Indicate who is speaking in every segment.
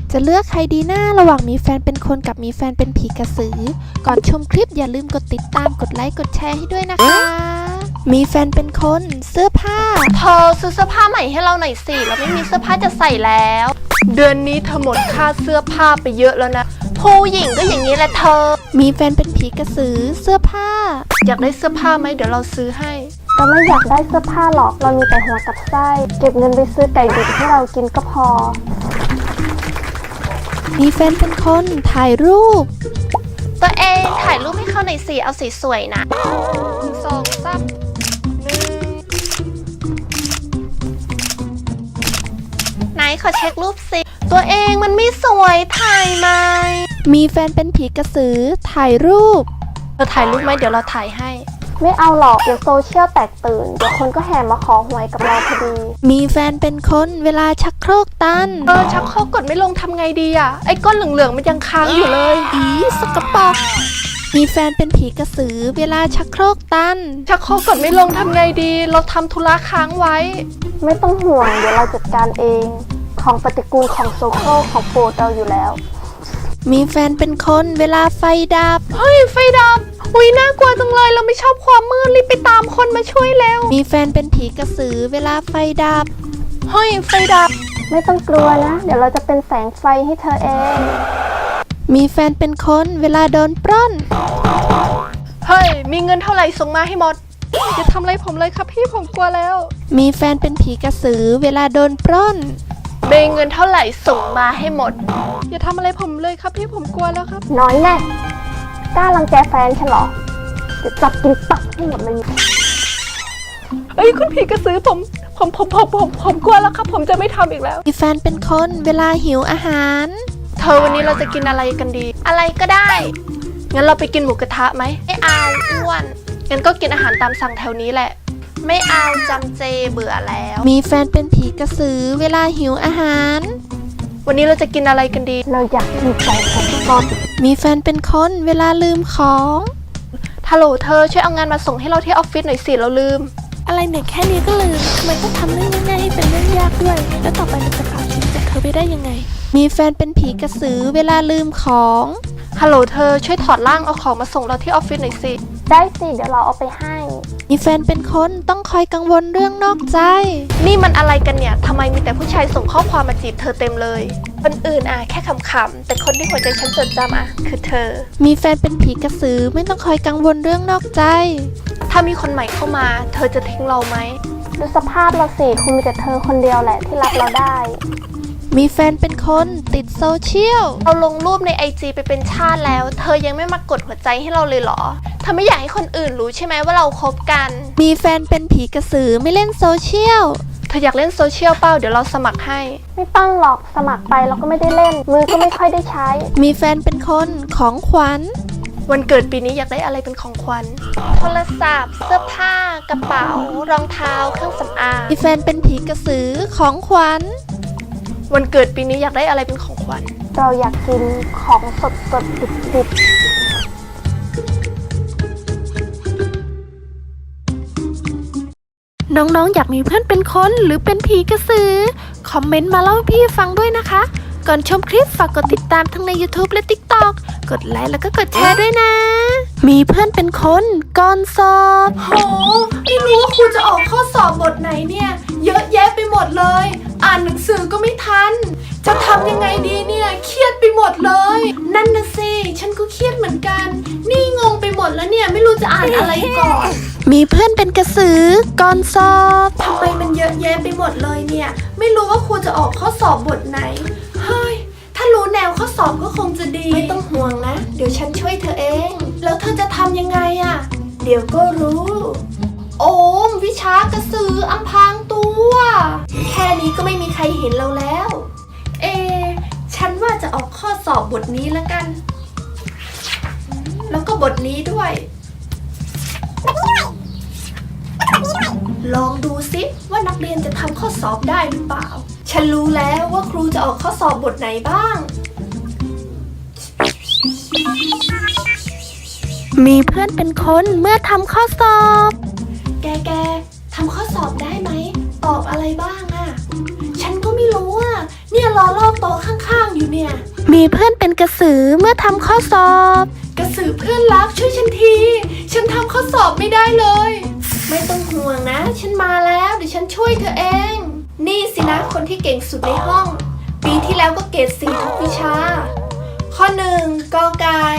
Speaker 1: จะเลือกใครดีหน้าระหว่างมีแฟนเป็นคนกับมีแฟนเป็นผีกระสือก่อนชมคลิปอย่าลืมกดติดตามกดไลค์กดแชร์ให้ด้วยนะคะมีแฟนเป็นคนเสื้อผ้า
Speaker 2: เธอซื้อเสื้อผ้าใหม่ให้เราหน่อยสิเราไม่มีเสื้อผ้าจะใส่แล้วเดือนนี้เธอหมดค่าเสื้อผ้าไปเยอะแล้วนะผู้หญิงก็อย่างนี้แหละเธอ
Speaker 1: มีแฟนเป็นผีกระสือเสื้อผ้า
Speaker 2: อยากได้เสื้อผ้าไหมเดี๋ยวเราซื้อให้
Speaker 3: เราไม่อยากได้เสื้อผ้าหรอกเรามีแต่หัวกับไส้เก็บเงินไปซื้อไก่ดิบให้เรากินก็พอ
Speaker 1: มีแฟนเป็นคนถ่ายรูป
Speaker 2: ตัวเองถ่ายรูปให้เขาหน่อยสิเอาสีสวยนะ2 3 1ไหนขอเช็ครูปสิตัวเองมันไม่สวยถ่ายไหม
Speaker 1: มีแฟนเป็นผีกระสือถ่ายรูป
Speaker 2: เราถ่ายรูปไหมเดี๋ยวเราถ่ายให้
Speaker 3: ไม่เอาหรอกเดี๋ยวโซเชียลแตกตื่นเดี๋ยวคนก็แห่มาขอหวยกับเราพอดี
Speaker 1: มีแฟนเป็นคนเวลาชักโครกตัน
Speaker 2: ชักโครกกดไม่ลงทำไงดีอ่ะไอ้ก้อนเหลืองๆมันยังค้างอยู่เลย
Speaker 1: อีสกปรกมีแฟนเป็นผีกระสือเวลาชักโครกตัน
Speaker 2: ชักโครกกดไม่ลงทำไงดีเราทำธุระค้างไว้
Speaker 3: ไม่ต้องห่วงเดี๋ยวเราจัดการเองของปฏิกูลของโซโครของโปรดเราอยู่แล้ว
Speaker 1: มีแฟนเป็นคนเวลาไฟดับ
Speaker 2: เฮ้ยไฟดับอุ๊ยน่ากลัวจังเลยเราไม่ชอบความมืดรีบไปตามคนมาช่วยแล้ว
Speaker 1: มีแฟนเป็นผีกระสือเวลาไฟดับ
Speaker 2: เฮ้ยไฟดับ
Speaker 3: ไม่ต้องกลัวนะเดี๋ยวเราจะเป็นแสงไฟให้เธอเอง
Speaker 1: มีแฟนเป็นคนเวลาโดนปล้น
Speaker 2: เฮ้ยมีเงินเท่าไหร่ส่งมาให้หมดอย่าทำอะไรผมเลยครับพี่ผมกลัวแล้ว
Speaker 1: มีแฟนเป็นผีกระสือเวลาโดนปล้น
Speaker 2: เบงเงินเท่าไหร่ส่งมาให้หมดอย่าทำอะไรผมเลยครับพี่ผมกลัวแล้วครับ
Speaker 3: น้อยแน่กล้ารังแกแฟนฉันเหรอจะจับกินตับให้หมดเลย
Speaker 2: เอ้ยคุณผีกระสือผมกลัวแล้วครับผมจะไม่ทำอีกแล้ว
Speaker 1: มีแฟนเป็นคนเวลาหิวอาหาร
Speaker 2: เธอวันนี้เราจะกินอะไรกันดีอะไรก็ได้งั้นเราไปกินหมูกระทะไหมไม่เอาอ้วนงั้นก็กินอาหารตามสั่งแถวนี้แหละไม่เอาจำเจเบื่อแล้ว
Speaker 1: มีแฟนเป็นผีกระสือเวลาหิวอาหาร
Speaker 2: วันนี้เราจะกินอะไรกันดี
Speaker 3: เราอยากกินไก่ทอด
Speaker 1: มีแฟนเป็นคนเวลาลืมของ
Speaker 2: ฮัลโหลเธอช่วยเอางานมาส่งให้เราที่ออฟฟิศหน่อยสิเราลืม
Speaker 1: อะไรเนี่ยแค่นี้ก็ลืมทำไมต้องทำเรื่องง่ายๆให้เป็นเรื่องยากด้วยแล้วต่อไปเราจะผ่านชีวิตจากเธอไปได้ยังไงมีแฟนเป็นผีกระสือเวลาลืมของ
Speaker 2: ฮัลโหลเธอช่วยถอดร่างเอาของมาส่งเราที่ออฟฟิศหน่อยสิ
Speaker 3: ได้สิเดี๋ยวเราเอาไปให้
Speaker 1: มีแฟนเป็นคนต้องคอยกังวลเรื่องนอกใจ
Speaker 2: นี่มันอะไรกันเนี่ยทำไมมีแต่ผู้ชายส่งข้อความมาจีบเธอเต็มเลยคนอื่นแค่ขำๆแต่คนที่หัวใจฉันจดจำคือเธอ
Speaker 1: มีแฟนเป็นผีกระสือไม่ต้องคอยกังวลเรื่องนอกใจ
Speaker 2: ถ้ามีคนใหม่เข้ามาเธอจะทิ้งเราไหม
Speaker 3: ดูสภาพเราสิคงมีแต่เธอคนเดียวแหละที่รับเราได้
Speaker 1: มีแฟนเป็นคนติดโซเชียล
Speaker 2: เราลงรูปใน IG ไปเป็นชาติแล้วเธอยังไม่มากดหัวใจให้เราเลยเหรอเธอไม่อยากให้คนอื่นรู้ใช่ไหมว่าเราคบกัน
Speaker 1: มีแฟนเป็นผีกระสือไม่เล่นโซเชียล
Speaker 2: เธออยากเล่นโซเชียลเปล่าเดี๋ยวเราสมัครให้
Speaker 3: ไม่ต้องหรอกสมัครไปเราก็ไม่ได้เล่นมือก็ไม่ค่อยได้ใช้
Speaker 1: มีแฟนเป็นคนของขวัญ
Speaker 2: วันเกิดปีนี้อยากได้อะไรเป็นของขวัญโทรศัพท์เสื้อผ้ากระเป๋ารองเท้าเครื่องสำอาง
Speaker 1: มีแฟนเป็นผีกระสือของขวัญ
Speaker 2: วันเกิดปีนี้อยากได้อะไรเป็นของขวัญ
Speaker 3: เราอยากกินของสดดิบ
Speaker 1: น้องๆอยากมีเพื่อนเป็นคนหรือเป็นผีกระสือคอมเมนต์มาเล่าให้พี่ฟังด้วยนะคะก่อนชมคลิปฝากกดติดตามทั้งใน YouTube และ TikTok กดไลค์แล้วก็กดแชร์ด้วยนะมีเพื่อนเป็นคนก่อนสอบ
Speaker 2: โหไม่รู้ว่าครูจะออกข้อสอบบทไหนเนี่ยเยอะแยะไปหมดเลยอ่านหนังสือก็ไม่ทันจะทำยังไงดีเนี่ยเครียดไปหมดเลยนั่นนะสิฉันก็เครียดเหมือนกันนี่งงไปหมดแล้วเนี่ยไม่รู้จะอ่านอะไรก่อน
Speaker 1: มีเพื่อนเป็นกระสือก่อนสอบ
Speaker 2: ทำไมมันเยอะแยะไปหมดเลยเนี่ยไม่รู้ว่าครูจะออกข้อสอบบทไหนเฮ้ยถ้ารู้แนวข้อสอบก็คงจะดีไม่ต้องห่วงนะเดี๋ยวฉันช่วยเธอเองแล้วเธอจะทำยังไงเดี๋ยวก็รู้โอมวิชากระสืออำพรางตัวแค่นี้ก็ไม่มีใครเห็นเราแล้วฉันว่าจะออกข้อสอบบทนี้แล้วกันแล้วก็บทนี้ด้วยลองดูซิว่านักเรียนจะทำข้อสอบได้หรือเปล่าฉันรู้แล้วว่าครูจะออกข้อสอบบทไหนบ้าง
Speaker 1: มีเพื่อนเป็นคนเมื่อทำข้อสอบ
Speaker 2: แกทำข้อสอบได้ไหมตอบอะไรบ้างฉันก็ไม่รู้เนี่ยรอลอกโต๊ะข้างๆอยู่เนี่ย
Speaker 1: มีเพื่อนเป็นกระสือเมื่อทำข้อสอบ
Speaker 2: กระสือเพื่อนรักช่วยฉันที ฉันทำข้อสอบไม่ได้เลย ไม่ต้องห่วงนะ ฉันมาแล้วเดี๋ยวฉันช่วยเธอเอง นี่สินะคนที่เก่งสุดในห้อง ปีที่แล้วก็เกรด4ทุกวิชา ข้อ1กอไก่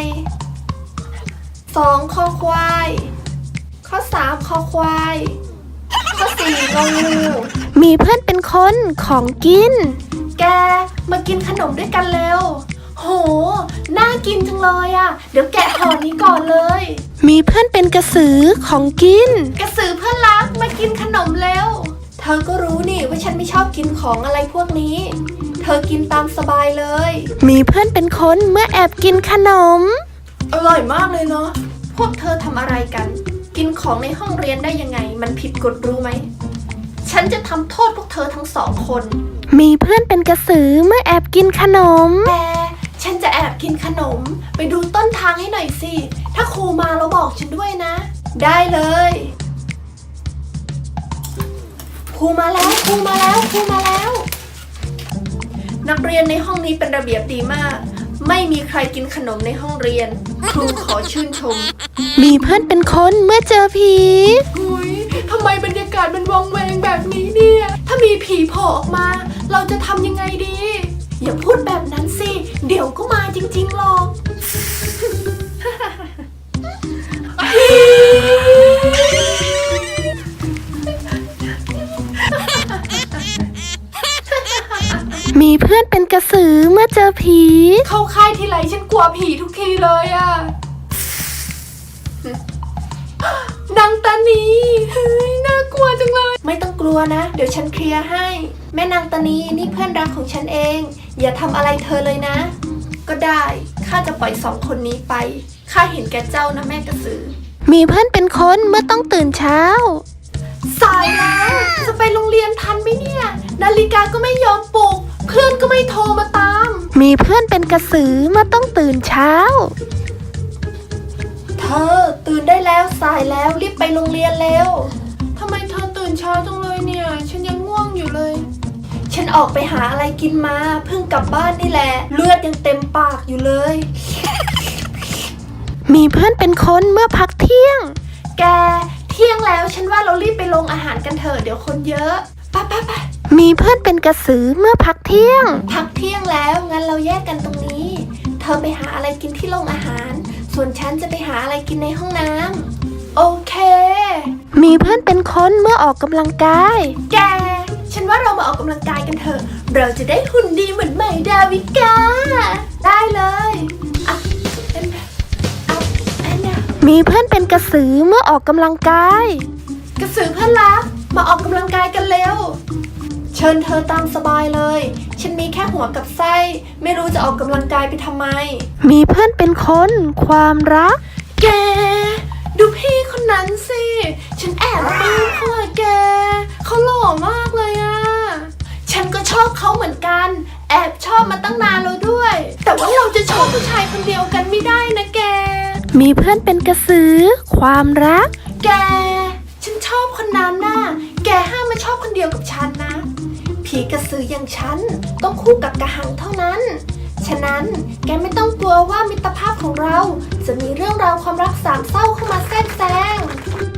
Speaker 2: 2คอควายข้อ3คอควายข้อ4งองู
Speaker 1: มีเพื่อนเป็นคนของกิน
Speaker 2: แกมากินขนมด้วยกันเร็ว โห น่ากินจังเลยอ่ะ เดี๋ยวแกะห่อนี้ก่อนเลย
Speaker 1: มีเพื่อนเป็นกระสือของกิน
Speaker 2: กระสือเพื่อนรักมากินขนมเร็ว เธอก็รู้นี่ว่าฉันไม่ชอบกินของอะไรพวกนี้ เธอกินตามสบายเลย
Speaker 1: มีเพื่อนเป็นคนเมื่อแอบกินขนม
Speaker 2: อร่อยมากเลยเนาะ พวกเธอทำอะไรกัน กินของในห้องเรียนได้ยังไง มันผิดกฎรู้ไหม ฉันจะทำโทษพวกเธอทั้ง2 คน
Speaker 1: มีเพื่อนเป็นกระสือเมื่อแอบกินขนม
Speaker 2: แต่ฉันจะแอบกินขนม ไปดูต้นทางให้หน่อยสิ ถ้าครูมาแล้วบอกฉันด้วยนะ ได้เลยครูมาแล้วครูมาแล้วครูมาแล้ว นักเรียนในห้องนี้เป็นระเบียบดีมาก ไม่มีใครกินขนมในห้องเรียน ครูขอชื่นชม
Speaker 1: มีเพื่อนเป็นคนเมื่อเจอผี
Speaker 2: หุยทำไมบรรยากาศมันวังเวงแบบนี้เนี่ย ถ้ามีผีโผล่ออกมา เราจะทำยังไงดี อย่าพูดแบบนั้นสิ เดี๋ยวก็มาจริงๆหรอก
Speaker 1: มีเพื่อนเป็นกระสือเมื่อเจอผี
Speaker 2: เข้าค่ายทีไรฉันกลัวผีทุกทีเลยอะนางตานีเฮ้ยน่ากลัวจังเลย ไม่ต้องกลัวนะ เดี๋ยวฉันเคลียร์ให้ แม่นางตานีนี่เพื่อนรักของฉันเอง อย่าทำอะไรเธอเลยนะ ก็ได้ข้าจะปล่อย2 คนนี้ไปข้าเห็นแก่เจ้านะแม่กระสือ
Speaker 1: มีเพื่อนเป็นคนเมื่อต้องตื่นเช้า
Speaker 2: สายแล้วจะไปโรงเรียนทันไหมเนี่ย นาฬิกาก็ไม่ยอมปลุก เพื่อนก็ไม่โทรมาตาม
Speaker 1: มีเพื่อนเป็นกระสือเมื่อต้องตื่นเช้า
Speaker 2: เธอตื่นได้แล้วสายแล้วรีบไปโรงเรียนเร็วทำไมเธอตื่นเช้าจังเลยเนี่ย ฉันยังง่วงอยู่เลย ฉันออกไปหาอะไรกินมาเพิ่งกลับบ้านนี่แหละ เลือดยังเต็มปากอยู่เลย
Speaker 1: มีเพื่อนเป็นคนเมื่อพักเที่ยง
Speaker 2: แกเที่ยงแล้วฉันว่าเรารีบไปลงอาหารกันเถอะเดี๋ยวคนเยอะไป
Speaker 1: มีเพื่อนเป็นกระสือเมื่อพักเที่ยง
Speaker 2: พักเที่ยงแล้วงั้นเราแยกกันตรงนี้ เธอไปหาอะไรกินที่โรงอาหาร ส่วนฉันจะไปหาอะไรกินในห้องน้ำโอเค
Speaker 1: มีเพื่อนเป็นคนเมื่อออกกำลังกาย
Speaker 2: แก ฉันว่าเรามาออกกำลังกายกันเถอะ เราจะได้หุ่นดีเหมือนใหม่ดาวิกา ได้เลยอ่ะอันน่ะ
Speaker 1: มีเพื่อนเป็นกระสือเมื่อออกกำลังกาย
Speaker 2: กระสือเพื่อนรักมาออกกำลังกายกันเร็ว เชิญเธอตามสบายเลย ฉันมีแค่หัวกับไส้ ไม่รู้จะออกกำลังกายไปทำไม
Speaker 1: มีเพื่อนเป็นคนความรัก
Speaker 2: แก ดูพี่คนนั้นสิ ฉันแอบปลื้มเขาอะแก เขาหล่อมากเลยอะฉันก็ชอบเขาเหมือนกัน แอบชอบมาตั้งนานแล้วด้วย แต่ว่าเราจะชอบผู้ชายคนเดียวกันไม่ได้นะแก
Speaker 1: มีเพื่อนเป็นกระสือความรัก
Speaker 2: แก ฉันชอบคนนั้นน่ะ แกห้ามมาชอบคนเดียวกับฉันนะ ผีกระสืออย่างฉันต้องคู่กับกระหังเท่านั้น ฉะนั้นแกไม่ต้องกลัวว่ามิตรภาพของเรา จะมีเรื่องราวความรักสามเศร้าเข้ามาแทรกแซง